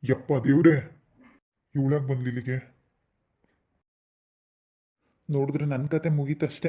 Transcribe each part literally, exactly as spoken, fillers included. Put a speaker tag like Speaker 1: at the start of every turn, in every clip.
Speaker 1: ಯಪ್ಪ ದೇವ್ರೆ, ಇವಳಾಗ ಬಂದ್ಲಿಲ್ಲಿಗೆ.
Speaker 2: ನೋಡಿದ್ರೆ ನನ್ನ ಕತೆ ಮುಗೀತಷ್ಟೇ.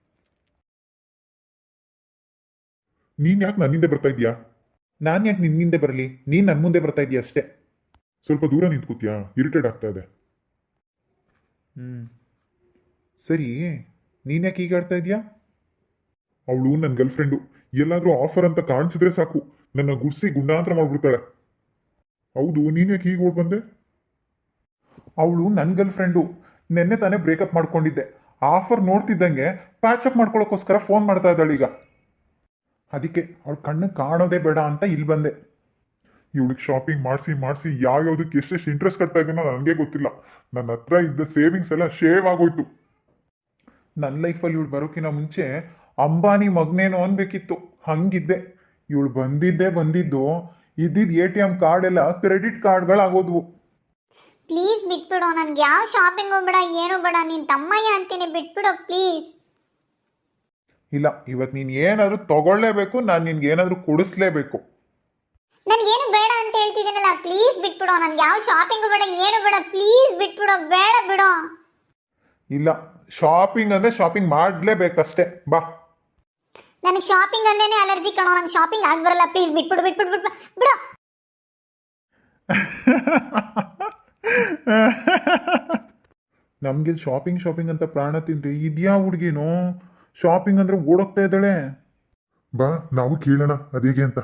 Speaker 1: ನೀನ್ ಯಾಕೆ ನನ್ನಿಂದ ಬರ್ತಾ ಇದೀಯಾ?
Speaker 2: ನಾನು ಯಾಕೆ ನಿನ್ನಿಂದೆ ಬರಲಿ? ನೀನು ನನ್ನ ಮುಂದೆ ಬರ್ತಾ ಇದೀಯ ಅಷ್ಟೇ.
Speaker 1: ಸ್ವಲ್ಪ ದೂರ ನಿಂತ್ಕೋತೀಯಾ? ಇರಿಟೇಟ್ ಆಗ್ತಾ ಇದೆ.
Speaker 2: ಹ್ಞೂ ಸರಿ, ನೀನು ಯಾಕೆ ಈಗ ಆಡ್ತಾ ಇದೀಯಾ?
Speaker 1: ಅವಳು ನನ್ನ ಗರ್ಲ್ ಫ್ರೆಂಡು. ಎಲ್ಲಾದ್ರೂ ಆಫರ್ ಅಂತ ಕಾಣಿಸಿದ್ರೆ ಸಾಕು ನನ್ನ ಗುಡ್ಸಿ ಗುಂಡಾಂತರ ಮಾಡ್ಬಿಡ್ತಾಳೆ. ಹೌದು, ನೀನ್ ಯಾಕೆ ಹೀಗೆ ಓಡ್ ಬಂದೆ?
Speaker 2: ಅವಳು ನನ್ನ ಗರ್ಲ್ ಫ್ರೆಂಡು. ನೆನ್ನೆ ತಾನೇ ಬ್ರೇಕಪ್ ಮಾಡ್ಕೊಂಡಿದ್ದೆ. ಆಫರ್ ನೋಡ್ತಿದ್ದಂಗೆ ಪ್ಯಾಚಪ್ ಮಾಡ್ಕೊಳ್ಳೋಕ್ಕೋಸ್ಕರ ಫೋನ್ ಮಾಡ್ತಾ ಇದ್ದಾಳೆ ಈಗ. ಅದಕ್ಕೆ ಅವಳ ಕಣ್ಣು ಕಾಣೋದೇ ಬೇಡ ಅಂತ ಇಲ್ಲಿ ಬಂದೆ.
Speaker 1: ಇವಳಿಗೆ ಶಾಪಿಂಗ್ ಮಾಡಿಸಿ ಮಾಡಿಸಿ ಯಾವ್ಯಾವ್ದಕ್ಕೆ ಎಷ್ಟೆಷ್ಟು ಇಂಟ್ರೆಸ್ಟ್ ಕಟ್ತಾ ಇದೀನೋ ನನಗೆ ಗೊತ್ತಿಲ್ಲ. ನನ್ನ ಹತ್ರ ಇದ್ದ ಸೇವಿಂಗ್ಸ್ ಎಲ್ಲ ಶೇವ್ ಆಗೋಯ್ತು.
Speaker 2: ನನ್ನ ಲೈಫಲ್ಲಿ ಇವಳು ಬರೋಕಿನ ಮುಂಚೆ ಅಂಬಾನಿ ಮಗನೇನೋ ಅನ್ಬೇಕಿತ್ತು, ಹಂಗಿದ್ದೆ. ಇವಳು ಬಂದಿದ್ದೇ ಬಂದಿದ್ದು ಇದ್ದಿದ್ದು ಎ ಟಿ ಎಮ್ ಕಾರ್ಡ್ ಎಲ್ಲ ಕ್ರೆಡಿಟ್ ಕಾರ್ಡ್ಗಳಾಗೋದ್ವು.
Speaker 3: ಪ್ಲೀಸ್ ಬಿಟ್ಬಿಡೋ, ನನ್ಗೆ ಯಾವ ಶಾಪಿಂಗು ಬೇಡ, ಏನು ಬೇಡ, ನೀನು ತಮ್ಮಯ್ಯ ಅಂತೀನಿ, ಬಿಟ್ಬಿಡೋ ಪ್ಲೀಸ್.
Speaker 2: ಇಲ್ಲ, ಇವತ್ತು ನೀನು ಏನಾದರೂ ತಗೊಳ್ಳೇಬೇಕು, ನಾನು ನಿನ್ಗೆ ಏನಾದರೂ ಕೊಡಿಸ್ಲೇಬೇಕು.
Speaker 3: ನನ್ಗೇನು ಬೇಡ ಅಂತ ಹೇಳ್ತಿದ್ದೀನಲ್ಲ, ಪ್ಲೀಸ್ ಬಿಟ್ಬಿಡೋ. ನನ್ಗೆ ಯಾವ ಶಾಪಿಂಗು ಬೇಡ, ಏನು ಬೇಡ, ಪ್ಲೀಸ್ ಬಿಟ್ಬಿಡೋ, ಬೇಡ ಬಿಡೋ.
Speaker 2: ಇಲ್ಲ, ಶಾಪಿಂಗ್ ಅಂದರೆ ಶಾಪಿಂಗ್ ಮಾಡಲೇಬೇಕಷ್ಟೇ, ಬಾ.
Speaker 3: ನನಗೆ ಶಾಪಿಂಗ್ ಅಂದೇನೆ ಅಲರ್ಜಿ ಕಣೋ, ನಂಗೆ ಶಾಪಿಂಗ್ ಆಗಿ ಬರಲ್ಲ. ಪ್ಲೀಸ್ ಬಿಟ್ಬಿಡು ಬಿಟ್ಬಿಡು ಬಿಟ್ಬಿಡು ಬಿಡೋ.
Speaker 2: ನಮಗೆ ಶಾಪಿಂಗ್ ಶಾಪಿಂಗ್ ಅಂತ ಪ್ರಾಣ ತಿಂದ್ರೆ ಇದ್ಯಾ ಹುಡುಗಿನೋ ಶಾಪಿಂಗ್ ಅಂದ್ರೆ ಓಡೋಗ್ತಾ ಇದ್ದಾಳೆ.
Speaker 1: ಬಾ, ನಾವು ಕೇಳೋಣ ಅದೇಗೆ ಅಂತ.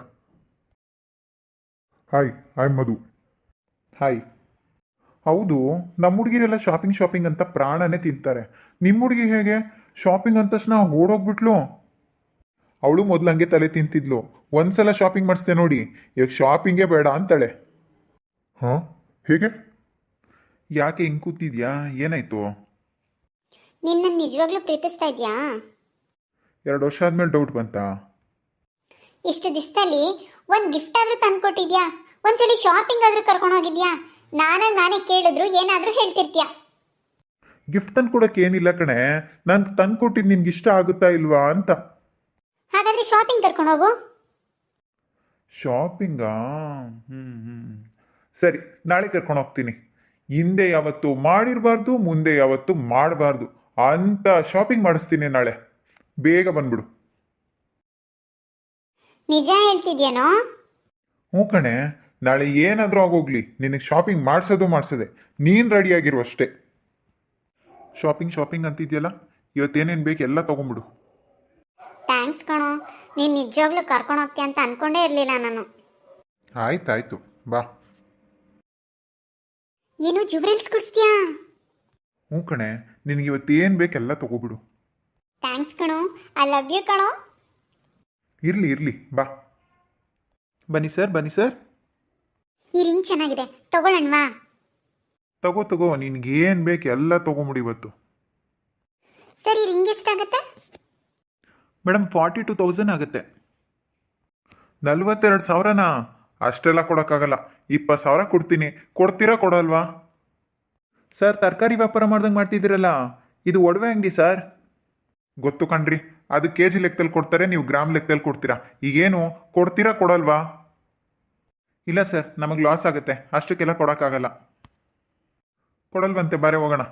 Speaker 1: Hi, I Madhu.
Speaker 2: ಹಾಯ್. ಹೌದು, ನಮ್ಮ ಹುಡುಗಿರೆಲ್ಲ ಶಾಪಿಂಗ್ ಶಾಪಿಂಗ್ ಅಂತ ಪ್ರಾಣನೇ ತಿಂತಾರೆ. ನಿಮ್ಮ ಹುಡುಗಿ ಹೇಗೆ ಶಾಪಿಂಗ್ ಅಂದ ತಕ್ಷಣ ಓಡೋಗ್ಬಿಟ್ಲು? ಅವಳು ಮೊದಲು ಹಂಗೆ ತಲೆ ತಿಂತಿದ್ಲು. ಒಂದ್ಸಲ ಶಾಪಿಂಗ್ ಮಾಡಿಸ್ದೆ ನೋಡಿ, ಇವಾಗ ಶಾಪಿಂಗೇ ಬೇಡ ಅಂತಾಳೆ.
Speaker 1: ಹಾ, ಹೇಗೆ?
Speaker 2: ಯಾಕೆ ಹಿಂಗೆ ಕೂತಿದ್ಯಾ? ಏನಾಯ್ತು?
Speaker 3: ನಿನ್ನ ನಿಜವಾಗ್ಲೂ ಪ್ರೀತಿಸ್ತಾ ಇದೆಯಾ?
Speaker 2: ಎರಡು ವರ್ಷ ಆದ್ಮೇಲೆ ಡೌಟ್ ಬಂತಾ?
Speaker 3: ಇಷ್ಟು ದಿವಸದಲ್ಲಿ ಒಂದು ಗಿಫ್ಟ್ ಆದ್ರೂ ತಂದ್ಕೊಟ್ಟಿದ್ಯಾ? ಒಂದ್ಸಲಿ ಶಾಪಿಂಗ್ ಆದ್ರೂ ಕರ್ಕೊಂಡು ಹೋಗಿದ್ಯಾ? ನಾನಾಗ ನಾನೇ ಕೇಳಿದ್ರು ಏನಾದ್ರೂ ಹೇಳ್ತಿರ್ತೀಯ.
Speaker 2: ಗಿಫ್ಟ್ ತಂದು ಕೊಡೋಕೆ ಏನಿಲ್ಲ ಕಣೆ, ನಾನು ತಂದು ಕೊಟ್ಟಿದ್ದು ನಿನ್ಗೆ ಇಷ್ಟ ಆಗುತ್ತಾ ಇಲ್ವಾ ಅಂತ.
Speaker 3: ಹಾಗಾದ್ರೆ ಶಾಪಿಂಗ್ ಕರ್ಕೊಂಡು ಹೋಗು.
Speaker 2: ಶಾಪಿಂಗಾ? ಹ್ಞೂ ಹ್ಞೂ ಸರಿ, ನಾಳೆ ಕರ್ಕೊಂಡು ಹೋಗ್ತೀನಿ. ಹಿಂದೆ ಯಾವತ್ತು ಮಾಡಿರಬಾರ್ದು, ಮುಂದೆ ಯಾವತ್ತು ಮಾಡಬಾರ್ದು ಅಂತ ಶಾಪಿಂಗ್ ಮಾಡಿಸ್ತೀನಿ ನಾಳೆ. ಬೇಗ ಬಂದ್ಬಿಡು.
Speaker 3: ನಿಜ ಹೇಳ್ತಿದ್ಯೇನೋ?
Speaker 2: ಹ್ಞೂ ಕಣೆ, ನಾಳೆ ಏನಾದರೂ ಆಗೋಗ್ಲಿ ನಿನಗೆ ಶಾಪಿಂಗ್ ಮಾಡಿಸೋದು ಮಾಡಿಸದೆ, ನೀನು ರೆಡಿಯಾಗಿರು ಅಷ್ಟೇ. ಶಾಪಿಂಗ್ ಶಾಪಿಂಗ್ ಅಂತಿದ್ಯಲ್ಲ, ಇವತ್ತೇನೇನು ಬೇಕು ಎಲ್ಲ ತೊಗೊಂಬಿಡು.
Speaker 3: ಥ್ಯಾಂಕ್ಸ್ ಕಣೋ, ನೀನು ನಿಜವಾಗ್ಲೂ ಕರ್ಕೊಂಡು ಹೋಗ್ತೀಯ ಅಂತ ಅನ್ಕೊಂಡೇ ಇರಲಿಲ್ಲ ನಾನು.
Speaker 2: ಆಯ್ತಾಯ್ತು, ಬಾ.
Speaker 3: ಏನು ಜುವೆಲ್ಸ್ ಕೊಡಿಸ್ತೀಯಾ?
Speaker 2: ಹ್ಞೂ ಕಣೆ, ನಿನಗೆ ಇವತ್ತೇನು ಬೇಕೆಲ್ಲ ತೊಗೊಬಿಡು.
Speaker 3: ಥ್ಯಾಂಕ್ಸ್ ಕಣೋ, ಐ ಲವ್ ಯು ಕಣೋ.
Speaker 2: ಇರಲಿ ಇರಲಿ, ಬಾ. ಬನ್ನಿ ಸರ್, ಬನ್ನಿ ಸರ್.
Speaker 3: ಈ ರಿಂಗ್ ಚೆನ್ನಾಗಿದೆ, ತಗೊಳ್ಳೋಣವಾ?
Speaker 2: ತಗೋ ತಗೋ, ನಿನ್ಗೇನು ಬೇಕು ಎಲ್ಲ ತೊಗೊಂಬಿಡು ಇವತ್ತು.
Speaker 3: ಸರಿ, ರಿಂಗ್ ಎಷ್ಟಾಗುತ್ತೆ?
Speaker 2: ಮೇಡಮ್, ಫಾರ್ಟಿ ಟು ತೌಸಂಡ್ ಆಗುತ್ತೆ. ನಲ್ವತ್ತೆರಡು ಸಾವಿರನಾ? ಅಷ್ಟೆಲ್ಲ ಕೊಡೋಕ್ಕಾಗಲ್ಲ. ಇಪ್ಪತ್ತು ಸಾವಿರ ಕೊಡ್ತೀನಿ, ಕೊಡ್ತೀರಾ ಕೊಡಲ್ವಾ? ಸರ್, ತರಕಾರಿ ವ್ಯಾಪಾರ ಮಾಡ್ದಂಗೆ ಮಾಡ್ತಿದ್ದೀರಲ್ಲ, ಇದು ಒಡವೆ ಅಂಗಡಿ ಸರ್. ಗೊತ್ತು ಕಣ್ರಿ, ಅದು ಕೆ ಜಿ ಲೆಕ್ಕದಲ್ಲಿ ಕೊಡ್ತಾರೆ, ನೀವು ಗ್ರಾಮ್ ಲೆಕ್ಕದಲ್ಲಿ ಕೊಡ್ತೀರಾ. ಈಗೇನು ಕೊಡ್ತೀರಾ ಕೊಡಲ್ವಾ? ಇಲ್ಲ ಸರ್, ನಮಗೆ ಲಾಸ್ ಆಗುತ್ತೆ, ಅಷ್ಟಕ್ಕೆಲ್ಲ ಕೊಡೋಕ್ಕಾಗಲ್ಲ. ಕೊಡಲ್ವಂತೆ, ಬಾರೆ ಹೋಗೋಣ.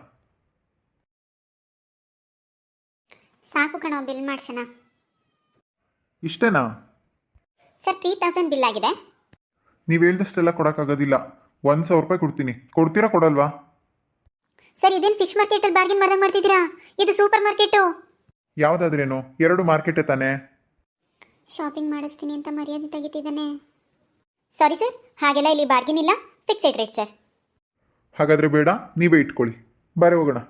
Speaker 3: ಸಾಕು ಕಣೋ, ಬಿಲ್ ಮಾಡ್ಸೋಣ.
Speaker 2: ಇಷ್ಟೇನಾ?
Speaker 3: ಸರ್, ತ್ರೀ ತೌಸಂಡ್ ಬಿಲ್ ಆಗಿದೆ.
Speaker 2: ನೀವು ಹೇಳ್ದಷ್ಟೆಲ್ಲ ಕೊಡೋಕ್ಕಾಗೋದಿಲ್ಲ, ಒಂದು ಸಾವಿರ ರೂಪಾಯಿ ಕೊಡ್ತೀನಿ, ಕೊಡ್ತೀರಾ ಕೊಡಲ್ವಾ?
Speaker 3: ಸರ್, ಇದೇನು ಫಿಶ್ ಮಾರ್ಕೆಟಲ್ಲಿ ಬಾರ್ಗೇನ್ ಮಾಡ್ದಂಗೆ ಮಾಡ್ತಿದ್ದೀರಾ? ಇದು ಸೂಪರ್ ಮಾರ್ಕೆಟು.
Speaker 2: ಯಾವುದಾದ್ರೇನು, ಎರಡು ಮಾರ್ಕೆಟೇ ತಾನೇ.
Speaker 3: ಶಾಪಿಂಗ್ ಮಾಡಿಸ್ತೀನಿ ಅಂತ ಮರ್ಯಾದೆ ತೆಗಿತಿದ್ದಾನೆ. ಸಾರಿ ಸರ್, ಹಾಗೆಲ್ಲ ಇಲ್ಲಿ ಬಾರ್ಗೇನ್ ಇಲ್ಲ, ಫಿಕ್ಸೆಡ್ ರೇಟ್ ಸರ್.
Speaker 2: ಹಾಗಾದರೆ ಬೇಡ, ನೀವೇ ಇಟ್ಕೊಳ್ಳಿ, ಬಾರೆ ಹೋಗೋಣ.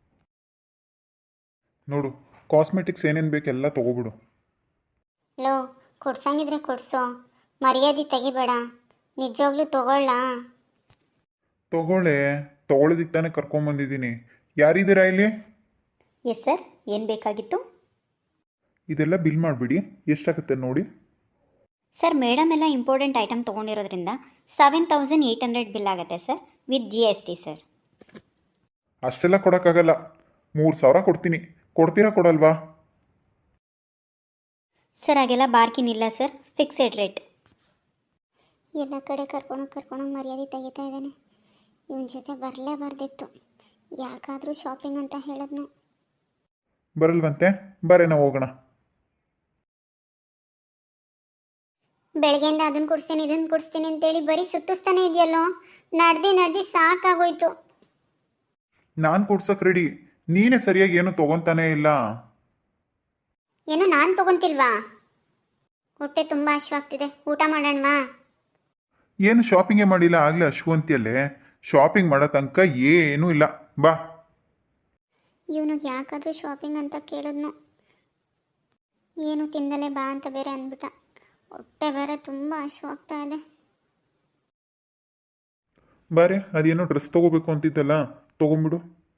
Speaker 2: ನೋಡು, ಕಾಸ್ಮೆಟಿಕ್ಸ್ ಏನೇನು ಬೇಕೆಲ್ಲ ತೊಗೊಬಿಡು.
Speaker 3: ಲೋ, ಕೊಡ್ಸಂಗಿದ್ರೆ ಕೊಡ್ಸೋ, ಮರ್ಯಾದೆ ತೆಗಿಬೇಡ. ನಿಜವಾಗ್ಲೂ ತಗೊಳ್ಳ?
Speaker 2: ತಗೊಳ್ಳೆ, ತೊಗೊಳೋದಿಕ್ಕೆ ತಾನೇ ಕರ್ಕೊಂಬಂದಿದ್ದೀನಿ. ಯಾರಿದ್ದೀರಾ ಇಲ್ಲಿ?
Speaker 3: ಎಸ್ ಸರ್, ಏನು ಬೇಕಾಗಿತ್ತು?
Speaker 2: ಇದೆಲ್ಲ ಬಿಲ್ ಮಾಡಿಬಿಡಿ, ಎಷ್ಟಾಗುತ್ತೆ ನೋಡಿ.
Speaker 3: ಸರ್, ಮೇಡಮ್ ಎಲ್ಲ ಇಂಪಾರ್ಟೆಂಟ್ ಐಟಮ್ ತೊಗೊಂಡಿರೋದ್ರಿಂದ seven thousand eight hundred bill ಆಗುತ್ತೆ sir, with G S T sir.
Speaker 2: ಅಷ್ಟೆಲ್ಲ ಕೊಡೋಕ್ಕಾಗಲ್ಲ, ಮೂರು ಸಾವಿರ ಕೊಡ್ತೀನಿ, ಕೊಡ್ತೀರಾ ಕೊಡಲ್ವಾ?
Speaker 3: ಸರ್, ಹಾಗೆಲ್ಲ ಬಾರ್ಕಿನ್ ಇಲ್ಲ ಸರ್, ಫಿಕ್ಸೆಡ್ ರೇಟ್. ಎಲ್ಲ ಕಡೆ ಕರ್ಕೊಂಡು ಕರ್ಕೊಂಡು ಮರ್ಯಾದೆ ತೆಗಿತಾ ಇದ್ದಾನೆ. ಇವನ ಜೊತೆ ಬರಲೇಬಾರ್ದಿತ್ತು. ಯಾಕಾದರೂ ಶಾಪಿಂಗ್ ಅಂತ ಹೇಳಿದ್ನು.
Speaker 2: ಬರಲ್ವಂತೆ, ಬರೇನ ಹೋಗೋಣ.
Speaker 3: ಬೆಳಗ್ಗೆಯಿಂದ ಅದನ್ನು ಕೊಡಿಸ್ತೀನಿ ಇದನ್ನು ಕೊಡಿಸ್ತೀನಿ ಅಂತೇಳಿ ಬರೀ ಸುತ್ತಿಸ್ತಾನೆ ಇದೆಯಲ್ಲೋ. ನಡ್ದು ನಡ್ದು ಸಾಕಾಗೋಯ್ತು.
Speaker 2: ನಾನು ಕೊಡ್ಸೋಕೆ ರೆಡಿ, ನೀನೇ ಸರಿಯಾಗಿ ಏನು ತೊಗೊತಾನೇ ಇಲ್ಲ.
Speaker 3: ಏನೋ ನಾನು ತಗೊಂತಿಲ್ವಾ? ಹೊಟ್ಟೆ ತುಂಬ ಹಶ್ವಾಗ್ತಿದೆ, ಊಟ ಮಾಡೋಣವಾ?
Speaker 2: ಏನು ಶಾಪಿಂಗೇ ಮಾಡಿಲ್ಲ ಆಗಲೇ ಅಶ್ವಂತಿಯಲ್ಲೇ. ಶಾಪಿಂಗ್ ಮಾಡೋ ತನಕ ಏನೂ ಇಲ್ಲ, ಬಾ.
Speaker 3: ಇವನಿಗೆ ಯಾಕಾದರೂ ಶಾಪಿಂಗ್ ಅಂತ ಕೇಳಿದ್ನು. ಏನು ತಿಂದಲೇ ಬಾ ಅಂತ ಬೇರೆ ಅಂದ್ಬಿಟ್ಟ. ಹೊಟ್ಟೆ ಬೇರೆ ತುಂಬ ಹಶ್ವಾಗ್ತಾ ಇದೆ.
Speaker 2: ಬಾರೆ, ಅದೇನೋ ಡ್ರೆಸ್ ತೊಗೋಬೇಕು ಅಂತಿದ್ದಲ್ಲ, ತೊಗೊಂಬಿಡು.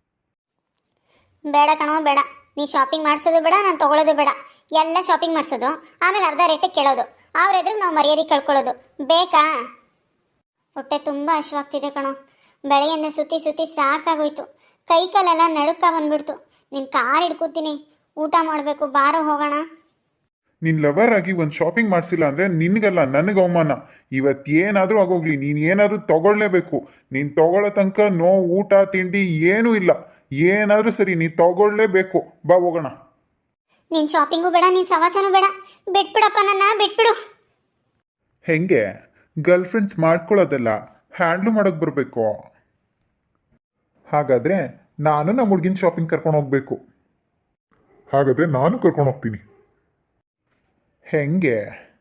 Speaker 3: ಬೇಡ ಕಣೋ ಬೇಡ. ನೀ ಶಾಪಿಂಗ್ ಮಾಡಿಸೋದು ಬೇಡ, ನಾನು ತೊಗೊಳೋದು ಬೇಡ. ಎಲ್ಲ ಶಾಪಿಂಗ್ ಮಾಡಿಸೋದು, ಆಮೇಲೆ ಅರ್ಧ ರೇಟಿಗೆ ಕೇಳೋದು, ಅವ್ರ ಎದುರು ನಾವು ಮರ್ಯಾದೆ ಕಳ್ಕೊಳ್ಳೋದು ಬೇಕಾ? ಹೊಟ್ಟೆ ತುಂಬ ಹಶ್ವಾಗ್ತಿದೆ ಕಣೋ. ಬೆಳಗ್ಗೆಯಿಂದ ಸುತ್ತಿ ಸುತ್ತಿ ಸಾಕಾಗೋಯ್ತು. ಕೈ ಕಾಲೆಲ್ಲ ನಡುಕ ಬಂದ್ಬಿಡ್ತು. ನಿನ್ನ ಕಾಲು ಹಿಡ್ಕೊತೀನಿ, ಊಟ ಮಾಡಬೇಕು, ಬಾರೋ ಹೋಗೋಣ.
Speaker 2: ನಿನ್ನ ಲವರ್ ಆಗಿ ಒಂದು ಶಾಪಿಂಗ್ ಮಾಡಿಸಿಲ್ಲ ಅಂದರೆ ನಿನಗಲ್ಲ ನನಗೆ ಅವಮಾನ. ಇವತ್ತೇನಾದರೂ ಆಗೋಗ್ಲಿ, ನೀನು ಏನಾದರೂ ತಗೊಳ್ಳೇಬೇಕು. ನೀನು ತಗೊಳ್ಳೋ ತನಕ ನೋ ಊಟ ತಿಂಡಿ ಏನೂ ಇಲ್ಲ. ಏನಾದರೂ ಸರಿ, ನೀನು ತಗೊಳ್ಳೇಬೇಕು, ಬಾ ಹೋಗೋಣ.
Speaker 3: ನೀನು ಶಾಪಿಂಗು ಬೇಡ, ನೀನು ಸವಾಸನೂ ಬೇಡ. ಬಿಟ್ಬಿಡಪ್ಪ, ನನ್ನ ಬಿಟ್ಬಿಡು.
Speaker 2: ಹೆಂಗೆ ಗರ್ಲ್ ಫ್ರೆಂಡ್ಸ್ ಮಾಡ್ಕೊಳ್ಳೋದಲ್ಲ, ಹ್ಯಾಂಡ್ಲು ಮಾಡೋಕ್ಕೆ ಬರಬೇಕು. ಹಾಗಾದರೆ ನಾನು ನಮ್ಮ ಹುಡುಗಿನ ಶಾಪಿಂಗ್ ಕರ್ಕೊಂಡು ಹೋಗ್ಬೇಕು.
Speaker 1: ಹಾಗಾದ್ರೆ ನಾನು ಕರ್ಕೊಂಡು ಹೋಗ್ತೀನಿ.
Speaker 2: ಹೆಂಗೆ?